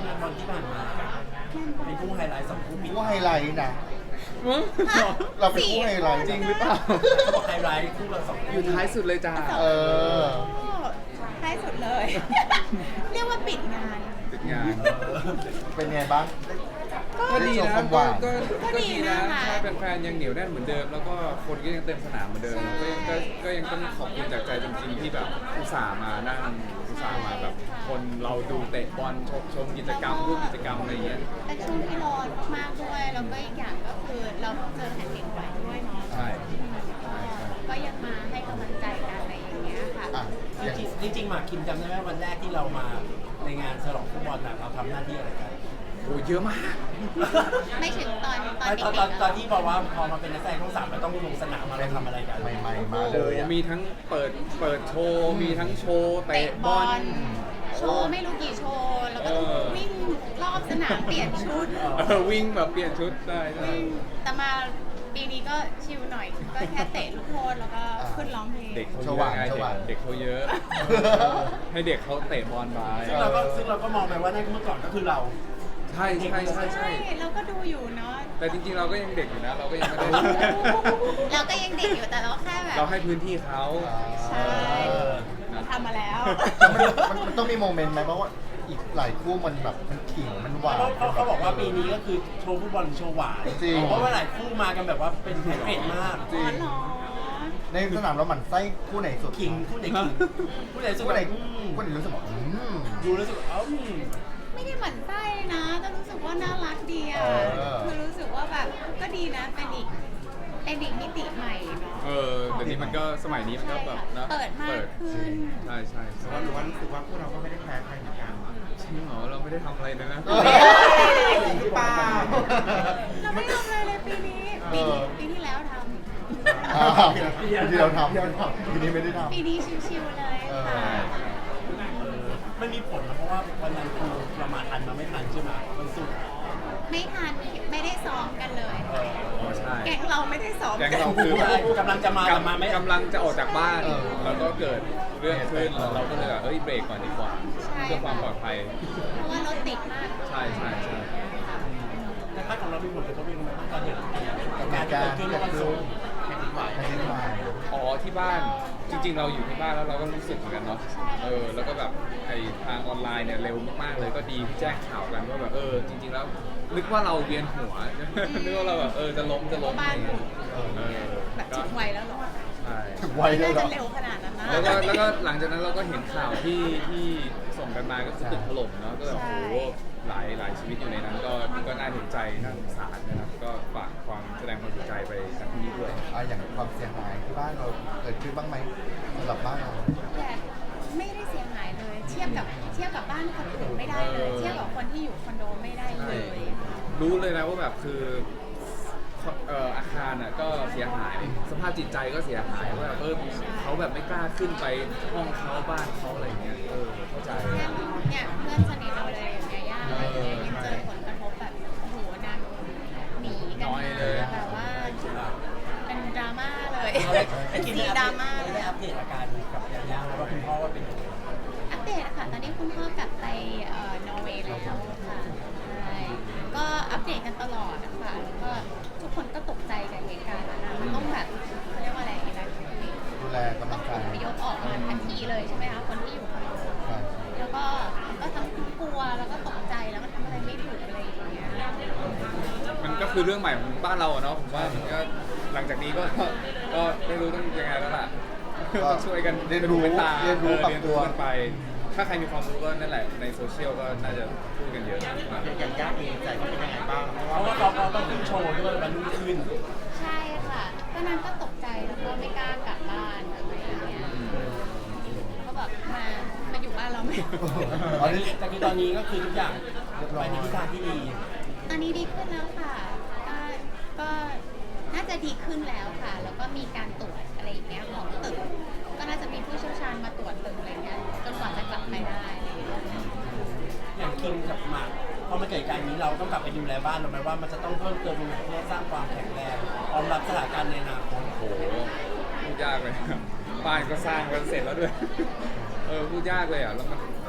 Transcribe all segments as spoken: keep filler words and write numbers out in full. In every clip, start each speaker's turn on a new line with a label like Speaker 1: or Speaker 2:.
Speaker 1: งานบอลที่ผ่านมาเป็นคู่ไฮไลท์สองคู่ปิด
Speaker 2: คู่ไฮไลท์นะ
Speaker 3: มึง
Speaker 2: เราเป็นคู่ไฮไลท์
Speaker 3: จริงหรือเปล่า
Speaker 1: เขาบอกไฮไลท์คู่ละสอง
Speaker 3: อ
Speaker 1: คู่
Speaker 3: ยู่ท้ายสุดเลยจ้า
Speaker 2: เออ
Speaker 4: ท้ายสุดเลย เรียกว่าปิดงาน
Speaker 3: ติดงาน
Speaker 2: เป็นไงบ้าง
Speaker 3: ก็ดีนะ
Speaker 2: ได้ชมความห
Speaker 3: ก็
Speaker 2: วาน
Speaker 3: ก็
Speaker 4: ก็
Speaker 3: ก็
Speaker 4: ดี
Speaker 3: ดีนะ
Speaker 4: นะคะ
Speaker 3: ใช่แฟนๆยังเหนียวแน่นเหมือนเดิม แล้วก็คนก็ยังเต็มสนามเหมือนเดิม
Speaker 4: ใช่
Speaker 3: ก็ยังก็ก็ยังต้องขอบคุณจากใจจริงๆที่แบบอุตส่าห์มานั่งอุตส่าห์มาแบบคนเราดูเตะบอลชมชมกิจกรรมร่วมกิจกรรมอะไรอย่างเงี้ย
Speaker 4: เป็นช่วงที่ร้อนมากด้วย แล้วก็อีกอย่างก็คือเราเจอแผ่นดินไหวด้วยเนาะ
Speaker 3: ใช่
Speaker 4: ก็ก็ยังมาให้กำลังใจกันอะไรอย่างเงี้ยค่ะ
Speaker 2: อ่ะ
Speaker 1: จริงจริงๆหมากคิมจำได้ไหมวันแรกที่เรามาในงานฉลองฟุตบอลน่ะเราทำหน้าที่อะไรกัน
Speaker 3: โอ้เยอะมาก
Speaker 4: ไม่ถึงตอนตอน
Speaker 1: ต
Speaker 4: เด็
Speaker 1: อน
Speaker 4: ก
Speaker 1: ตอน
Speaker 4: ๆ
Speaker 1: ตอนที่บอกว่าพอมาเป็นนักแสดงช่องสามเราต้องลงสนามมาเราทำอะไรกัน
Speaker 2: ใหม่ๆมาเลยอ่ะ
Speaker 3: มีทั้งเปิดเปิดโชว์ มีทั้งโชว์เตะ
Speaker 4: เตะ
Speaker 3: บบ อ
Speaker 4: อ
Speaker 3: ล
Speaker 4: ลโชว์ไม่รู้กี่โชว์ แล้วก็ต้อง
Speaker 3: เออ
Speaker 4: วิ่งรอบสนามเปลี่ยนชุด
Speaker 3: เออวิ่งแบบเปลี่ยนชุดได้ใช่
Speaker 4: แต่มาปีนี้ก็ชิลหน่อย ก็แค่เตะลูกโทษแล้วก็ขึ้นร้องเพลง
Speaker 3: เด็กเขา
Speaker 2: ส
Speaker 3: เย
Speaker 2: ว่า
Speaker 3: อะ
Speaker 2: ง
Speaker 3: ไง
Speaker 2: สว่าง
Speaker 3: เด็กเขาเยอะ ให้เด็กเขาเตะบอลไป
Speaker 1: ซึ่งเราก็ซึ่งเราก็มองไปว่านั่นเมื่อก่อนก็คือเรา
Speaker 3: ใช่ใช่ใช่ใช่
Speaker 4: เราก็ดูอยู่เนาะ
Speaker 3: แต่จริงๆเราก็ยังเด็กอยู่นะ เราก็ยังไม่ได้
Speaker 4: เราก็ยังเด็กอยู่แต่เราแค่แบบ
Speaker 3: เราให้พื้นที่เขา
Speaker 4: ใช่เราทำมาแล้ว
Speaker 2: มันมันต้องมีโมเมนต์ไหมเพราะว่าอีกหลายคู่มันแบบมันขิงมันหวาน
Speaker 1: เขาเขาเขาบอกว่าปีนี้ก็คือโชว์ฟุตบอลหรือโชว์หวาน
Speaker 2: จริง
Speaker 1: เพราะว่าหลายคู่มากันแบบว่าเป็นแพ็กเกจมาก
Speaker 3: จริ
Speaker 4: อ๋อง เหรอ
Speaker 2: ในสนามเราหมั่นไส้คู่ไหนสุด
Speaker 1: ขิงคู่ไหนขิงคู่ไหนสุด
Speaker 2: คู่ไหน
Speaker 1: อืม
Speaker 2: คู่ไหนรู้สึกว่าอืม
Speaker 1: ดูแล้วรู้สึกเอ้าอืม
Speaker 4: ไม่ได้หมั่นไส้นะ แต่รู้สึกว่าน่ารักดีอ่ะ
Speaker 2: เออ
Speaker 4: คือรู้สึกว่าแบบก็ดีนะ เป็นอีกเป็นอีกมิติใหม่เนาะ
Speaker 3: เออเดี๋ยวนี้มันก็สมัยนี้มันก็แบบนะ
Speaker 4: เปิดมากขึ้น
Speaker 3: ใช่ใช่
Speaker 5: แต่ว่าหรือว่ารู้สึกว่าพวกเราก็ไม่ได้แพ้ใครเหมือนกัน
Speaker 3: จริงเหรอเราไม่ได้ทำอะไรเลยนะ
Speaker 2: เออ
Speaker 5: จริงหรือเปล่า
Speaker 4: เราไม่ทำอะไรเลยปีนี้ ปีนี้ปีที่แล้วท
Speaker 2: อ่าที่เราทำทีนี้ไม่ได้ท
Speaker 4: ำปีนี้ชิวๆเลยค่ะ
Speaker 1: มันมีผลนะเพราะว่าวันนั้นคือเรามาทันมาไม่ทันใช่ไหมวันศุกร์
Speaker 4: ไม่ทันไม่ได้ซ้อมกันเลย
Speaker 1: เออ
Speaker 3: อ๋อใช่
Speaker 4: แก๊งเราไม่ได้ซ้อม
Speaker 3: แก๊ง
Speaker 4: กัน
Speaker 3: เราคือ
Speaker 1: ใช่กำลังจะมาแต่มาไม่
Speaker 3: กำลังจะออกจากบ้าน
Speaker 2: เออ
Speaker 3: แล้วก็เกิดเรื่องขึ้นแล้วเราก็เลยแบบเอ้ยเบรกก่อนดีกว่า
Speaker 4: ใช่
Speaker 3: เพื่อความปลอดภัย
Speaker 4: เพราะว่ารถติดมาก
Speaker 3: ใช่ใช่ใช่
Speaker 1: แต่ถ้าของเรามีผลกระทบยังไงบ้างตอนเห็น
Speaker 2: ำ
Speaker 1: การที่เกิดขึ้นวันศุกร์
Speaker 2: แผ่นดินไหวแผ่นดินไหว
Speaker 3: อ๋อที่บ้านจริง ๆ เราอยู่ที่บ้านแล้วเราก็รู้สึกเหมือนกันเนาะเออแล้วก็แบบไอทางออนไลน์เนี่ยเร็วมากๆเลยก็ดีที่แจ้งข่าวกันว่าแบบเออจริง ๆ แล้วนึกว่าเราเวียนหัว นึกว่าเราแบบเออจะล้มจะล้มอะไรอย่างเงี้ยเออ
Speaker 4: แบบ
Speaker 3: ก็
Speaker 4: ถึงวัยแล้วเหรอ
Speaker 3: ใช่
Speaker 2: ถึงไวได้
Speaker 4: น่า
Speaker 2: เหรอ
Speaker 4: จะเร็วขนาดนั้นนะ
Speaker 3: แล้วก็แล้วก็หลังจากนั้นเราก็เห็นข่าวที่ที่ส่งกันมาก็คือตึกถล่มเนาะก็แบบโอ้โหหลายหลายชีวิตอยู่ในนั้นก็ก็น่าเห็นใจน่าสงสารนะครับก็ฝากความแสดงความเสียใจไปจากที่นี้ด้วย
Speaker 2: อ่ะอย่างความเสียหายที่บ้านเราเกิดขึ้นบ้างไหมสำหรับบ้านเรา
Speaker 4: แต่ไม่ได้เสียหายเลย เทียบกับเทียบกับบ้านคนอื่นไม่ได้เลย เทียบกับคนที่อยู่คอนโดไม่ได้เลย
Speaker 3: รู้เลยนะว่าแบบคือเอ่ออาคารอ่ะก็เสียหายสภาพจิตใจก็เสียหายว่าแบบเออเขาแบบไม่กล้าขึ้นไปห้องเขาบ้านเขาอะไรอย่างเงี้ยเออเข้าใจ
Speaker 4: เนี่ยเพื่อนสนิทเราเลยอย่างเงี้ยย่าอะไรอย่างเงี้ยยังเจอผลกระทบแบบโอ้โหนางหนีกันมาแบบว่าเป็นดราม่าเลย
Speaker 1: ไอ้
Speaker 4: เป็น
Speaker 1: กิน
Speaker 4: ซี
Speaker 1: ได้
Speaker 4: ดราม่า
Speaker 1: อัป
Speaker 4: เล
Speaker 1: เดต
Speaker 4: ย
Speaker 1: ได้อัปเดตอาการกับยาย่าแล้วว่าคุณพ่อว่าเป็นยังไง
Speaker 4: อัปเดตค่ะตอนนี้คุณพ่อกลับไปเอ่อนอร์เวย์แล้วค่ะใช่ก็อัปเดตกันตลอดนะคะแล้วก็ทุกคนก็ตกใจกับเหตุการณ์นั้นนะมันต้องแบบเขาเรียกว่าอะไรนะ
Speaker 2: ดูแลกำลังใจ
Speaker 4: อพยพออกมาทันทีเลยใช่ไหมคะคนที่อยู่คอนโด
Speaker 2: ใช่
Speaker 4: แล้วก็ก็ทั้งกลัวแล้วก็ตกใจแล้วก็ทำอะไรไม่ถูกอะไรอย่างเงี้ย
Speaker 3: มันก็คือเรื่องใหม่ของบ้านเราอะเนาะผมว่ามันก็หลังจากนี้ก็ก็ไม่รู้ต้องยังไงแล้วล่ะต้องช่วยกัน
Speaker 2: เรียนรู้
Speaker 3: เป็นตา
Speaker 2: เรียนรู้
Speaker 3: ออ
Speaker 2: ปรับ
Speaker 3: เรียน
Speaker 2: ตั
Speaker 3: รู้
Speaker 2: ว
Speaker 3: กันไป ถ้าใครมีความรู้ก็นั่นแหละในโซเชียลก็น่าจะพูดกันเยอะมาก
Speaker 5: อย่างย่าเองใจเขาเป็นยังไงบ้างเพราะ
Speaker 1: เพ
Speaker 5: ว่า
Speaker 1: ราะว่าเขาเขาต้องขึ้นโชว์ด้วยวันรุ่งขึ้น
Speaker 4: ใช่ค่ะก็นั้นก็ตกใจแล้วก็ไม่กล้ากลับบ้านอะไรอย่างเงี้ยก็แบบมามาอยู่บ้านเราไหม
Speaker 2: อ๋อนี่
Speaker 1: แต่คือตอนนี้ก็คือทุกอย่างไปในทิศทางที่ดี
Speaker 4: ตอนนี้ดีขึ้นแล้วค่ะก็ก็น่าจะดีขึ้นแล้วค่ะ แล้วก็มีการตรวจอะไรอย่างเงี้ยของตึก ก็น่าจะมีผู้เชี่ยวชาญมาตรวจตึกอะไรเงี้ยจนกว่าจะกลับไปได้อะไรอย่างเงี้ย
Speaker 1: อย่างคิมกับหมากพอมาเกิดการนี้เราต้องกลับไปดูแลบ้านเราไหมว่ามันจะต้องเพิ่มเติมตรงไหนเพื่อสร้างความแข็งแรงพร้อมรับสถานการณ์ในอนาคต
Speaker 3: โอ้โหพูดยากเลย บ้านก็สร้างกันเสร็จแล้วด้วย เออพูดยากเลยอ่ะแล้วมัน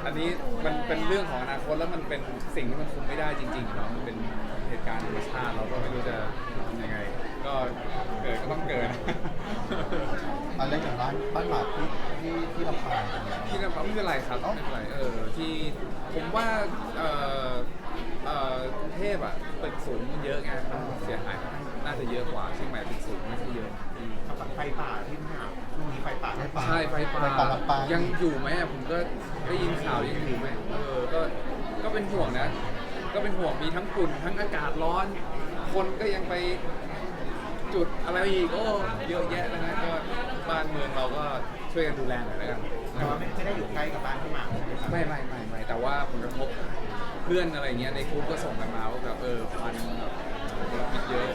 Speaker 3: อันนี้มันเป็นเรื่องของอนาคตแล้วมันเป็นสิ่งที่มันคุมไม่ได้จริงๆเนาะมันเป็นเหตุการณ์ธรรมชาติเราก็ไม่รู้จะทำยังไง ก็เกิดก็ต้องเกิด
Speaker 2: อะไรอย่างบ้านบ้านหมากที่ที่ที่ลำปางเป็นไง
Speaker 3: ที่นั่นไม่เป็นไรครับไม่เป็นไรเออที่ผมว่าเอ่อเอ่อกรุงเทพอ่ะตึกสูงมันเยอะไงมันเสียหายน่าจะเยอะกว่าเชียงใหม่ตึกสูงไม่ใช่เยอะอืม
Speaker 5: ไฟป่าที่มหาช่วงนี้ไฟป่า
Speaker 2: ไฟป่า
Speaker 3: ใช่ไฟป่า
Speaker 2: ไฟป่าลำปาง
Speaker 3: ยังอยู่ไหมอะผมก็ได้ยินข่าวยังอยู่ไหมเออก็ก็เป็นห่วงนะ ก็เป็นห่วงมีทั้งฝุ่นทั้งอากาศร้อน คนก็ยังไปจุดอะไรอีกโอ้เยอะแยะนะฮะก็บ้านเมืองเราก็ช่วยกันดูแลหน่อยแล้วกัน
Speaker 5: แต่ว่าไม่ไม่ได้อยู่ใกล้กับบ้านพี่หมากใช่ไหมครับ
Speaker 3: ไม่ไม่ไม่ไม่แต่ว่าผลกระทบเพื่อนอะไรเงี้ยในกลุ่มก็ส่งกันมาว่าแบบเออควันแบบมลพิษเยอะ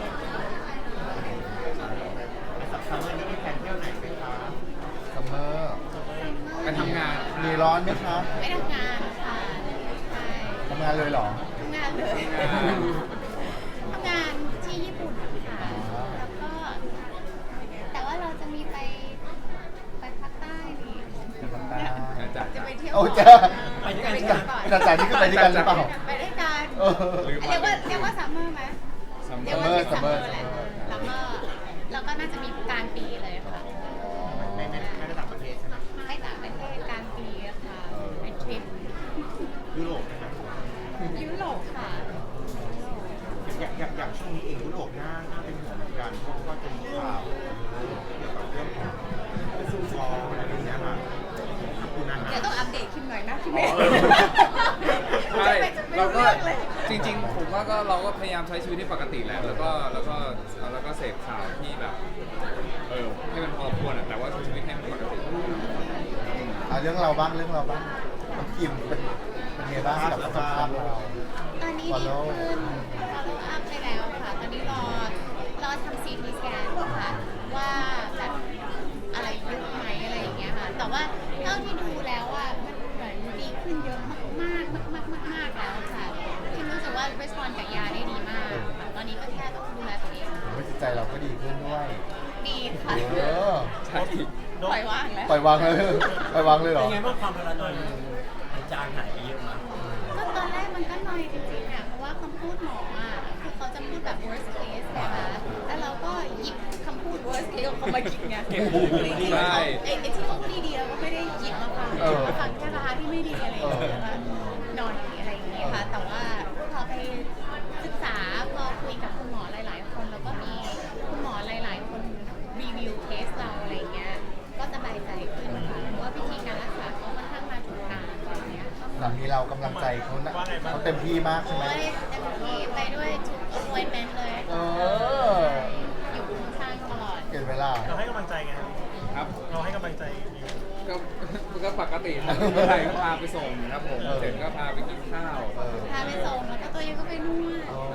Speaker 5: ซัมเมอร์นี้มีแผนเที่ยวไหนไหมคะ
Speaker 2: ซัมเมอร์
Speaker 3: ไปทำงาน
Speaker 2: มีร้อนไหมคะ
Speaker 4: ไม่ทำงานค่ะใช่
Speaker 2: ทำงานเลยเหรอ
Speaker 4: ทำงานเลย
Speaker 3: ทำงาน
Speaker 4: ทำงานที่ญี่ปุ่นค่ะ แล้วก็ แต่ว่าเราจะมีไปไปภาคใต้นี่
Speaker 3: นะจ๊ะ
Speaker 4: จะไปเที่ยว
Speaker 2: โอ้
Speaker 4: ก่น
Speaker 2: จ้า
Speaker 1: ไปด้วยกัน
Speaker 4: จะไปเที่ยวก่อน
Speaker 2: จ่าจ่านี่คือไปด้วยกันหรือเปล่า
Speaker 4: ไปด้วยกัน
Speaker 2: เออ
Speaker 3: ลืม
Speaker 4: เรียกว่าเรียกว่าซัมเมอร์ไหม
Speaker 3: ซัมเม
Speaker 4: เรี
Speaker 3: อย
Speaker 4: กว่า
Speaker 3: ร์
Speaker 4: เป็นซัมเมอ
Speaker 2: summer
Speaker 4: ร์แหละซัมเมอร์แล้วก็น่าจะมีกลางปีเลยค่ะ
Speaker 5: ไม่ไม่ไม่ได้ต่างประเทศใช่ไหม
Speaker 4: ให้ต่างประเทศกลางปีอะค่ะเป็นทริป
Speaker 5: ยุโรปนะครับ
Speaker 4: ยุโรปค่ะ
Speaker 5: อย่างอย่างอย่างช่วงนี้เองยุโรปน่าน่าเป็นห่วงเหมือนกันเพราะว่าจะมีข่าวเกี่ยวกับเรื่องของซูซอลอะไรอย่างเงี้ยค่ะขอบคุณนะ
Speaker 4: เดี๋ยวต้องอัปเดตคิมหน่อยนะคิม
Speaker 5: อ๋
Speaker 4: เอ
Speaker 5: อ
Speaker 3: ใช่
Speaker 4: เรา
Speaker 3: เรา
Speaker 4: ก็
Speaker 3: ก็จริงๆ ผมว่าก็เราก็พยายามใช้ชีวิตให้ปกติแหละแล้วก็แล้วก็แล้วก็เสพข่าวที่แบบเออให้มันพอควรอะแต่ว่าใช้ชีวิตให้มันปกติ
Speaker 2: อ่ะเรื่องเราบ้างเรื่องเราบ้างน้องคิมเป็นเป็นไงบ้างกับสุขภาพเรา
Speaker 4: ตอนนี้ดีขึ้นเราลงอัพไปแล้วค่ะ ตอนนี้รอรอทำซีทีสแกนค่ะว่าแบบอะไรเยอะไหมอะไรอย่างเงี้ยค่ะ แต่ว่าเท่าที่ดูแล้วอ่ะมันเหมือนดีขึ้นเยอะมากๆมากๆมากๆมากๆแล้วค่ะคิมรู้สึกว่า respond กับยาได้ดีมากค่ะตอนนี้ก็แค่ต้องดูแลตัวเอง
Speaker 2: ไม่จิตใจเราก็ดีขึ้นด้วย
Speaker 4: ดีค่ะ
Speaker 2: เออ
Speaker 3: ใช่
Speaker 4: ปล่อยวางแล้ว
Speaker 2: ปล่อยวางเลยปล่อยวางเลยเหร
Speaker 1: เป็
Speaker 2: อ
Speaker 1: นไงบ้างความพารานอยมันจางหายไปเยอะมาก
Speaker 4: ก็ตอนแรกมันก็นอยจริงๆอ่ะเพราะว่าคำพูดหมออ่ะคือเขาจะพูดแบบ worst case นะคะแล้วเราก็หยิบคำพูด worst case ของเขามาคิดไง
Speaker 1: เก็บหู
Speaker 4: จริงๆเขาไอ้ไอ้ที่เขาพูดดีๆเราก็ไม่ได้หยิบมาฟังมาฟังแค่ร้านที่ไม่ดีอะไรอย่างเงี้ยนะคะนอนอะไรอย่างเงี้ยค่ะ แต่ว่าพอไปศึกษาพอคุยกับคุณหมอหลายๆ คนแล้วก็มีคุณหมอหลายๆ คนรีวิวเคสเราอะไรอย่างเงี้ยก็สบายใจขึ้นค่ะเพราะว่าวิธีการรักษาเขาค่อนข้างมาถูกทางตอนเนี้ย
Speaker 2: หลังนี้เรากำลังใจเขานะเขาเต็มที่มากใช่ไหม
Speaker 4: โอ้ยเต็มที่ไปด้วยทุก appointment เลย
Speaker 2: เออ
Speaker 4: อยู่ข้างๆตลอด
Speaker 2: เกินเวลา
Speaker 6: เราให้กำลังใจไงครับ
Speaker 3: ครับ
Speaker 6: เราให้กำลังใจอยู่
Speaker 3: ก็ก็ปกติครับเมื่อไหร่ก็พาไปส่งครับผม
Speaker 2: เออ
Speaker 3: เสร็จก็พาไปกินข้าว
Speaker 2: เออ
Speaker 4: พาไปส่งแล้วก็ตัวเองก็ไปนวด
Speaker 2: อ๋อ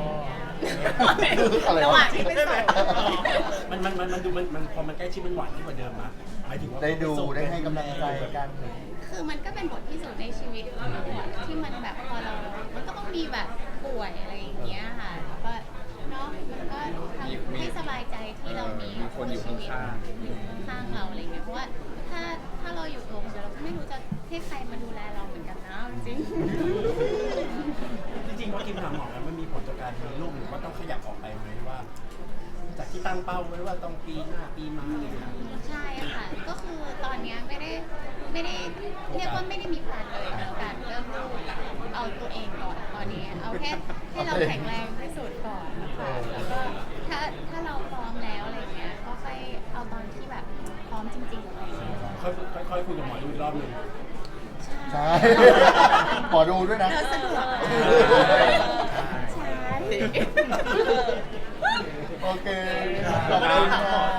Speaker 4: ระ
Speaker 2: อะไร
Speaker 4: หว่าง
Speaker 2: วะ
Speaker 4: ที่ไปส่ง
Speaker 1: มันมันมันมันดูมันมันพอมันใกล้ชิดมันหวานขึ้นกว่าเดิมมะหมายถึงว่า
Speaker 2: ได้ดูได้ให้กำลังใจกัน
Speaker 4: คือมันก็เป็นบทพิสูจน์ในชีวิตของเราอะที่มันแบบพอเรา มันก็ต้องมีแบบป่วยอะไรอย่างเงี้ยค่ะแล้วก็เนาะมันก็ทำให้สบายใจที่เรามี
Speaker 3: มีคนอยู่ข้างๆ
Speaker 4: อยู่ข้างๆเราอะไรเงี้ยเพราะว่าถ้าถ้าเราอยู่ตัวคนเดียวเราก็ไม่รู้จะให้ใครมาดูแลเราเหมือนกันนะจริง
Speaker 1: จริงๆว่ากินหาหมอแล้วมันมีผลต่อการมีลูกหรือว่าต้องขยับออกไปไหมว่า จากที่ตั้งเป้าไว้ว่าต้องปีหน้าปีมาอะไรอย่างเงี้ย
Speaker 4: ใช่ค่ะ ก็คือตอนเนี้ยไม่ได้ไม่ได้เรียกว่าไม่ได้มีแพลนเลยกับการเริ่มลูกเอาตัวเองก่อนตอนนี้ เอาแค่ให้เราแข็งแรงที่สุดก่อนนะคะแล้วก็ถ้าถ้าเราพร้อมแล้วอะไรเงี้ยก็ค่อยเอาตอนที่แบบพร้อมจริงๆอะไรเงี้ย
Speaker 1: ค่อยค่อยค่อยคุยกับหมอดูอีกรอบหนึ่ง
Speaker 2: ใช่ ขอดูด้วยนะ
Speaker 4: เดินสะดวกใช่
Speaker 2: โอเค ขอบคุณค่ะ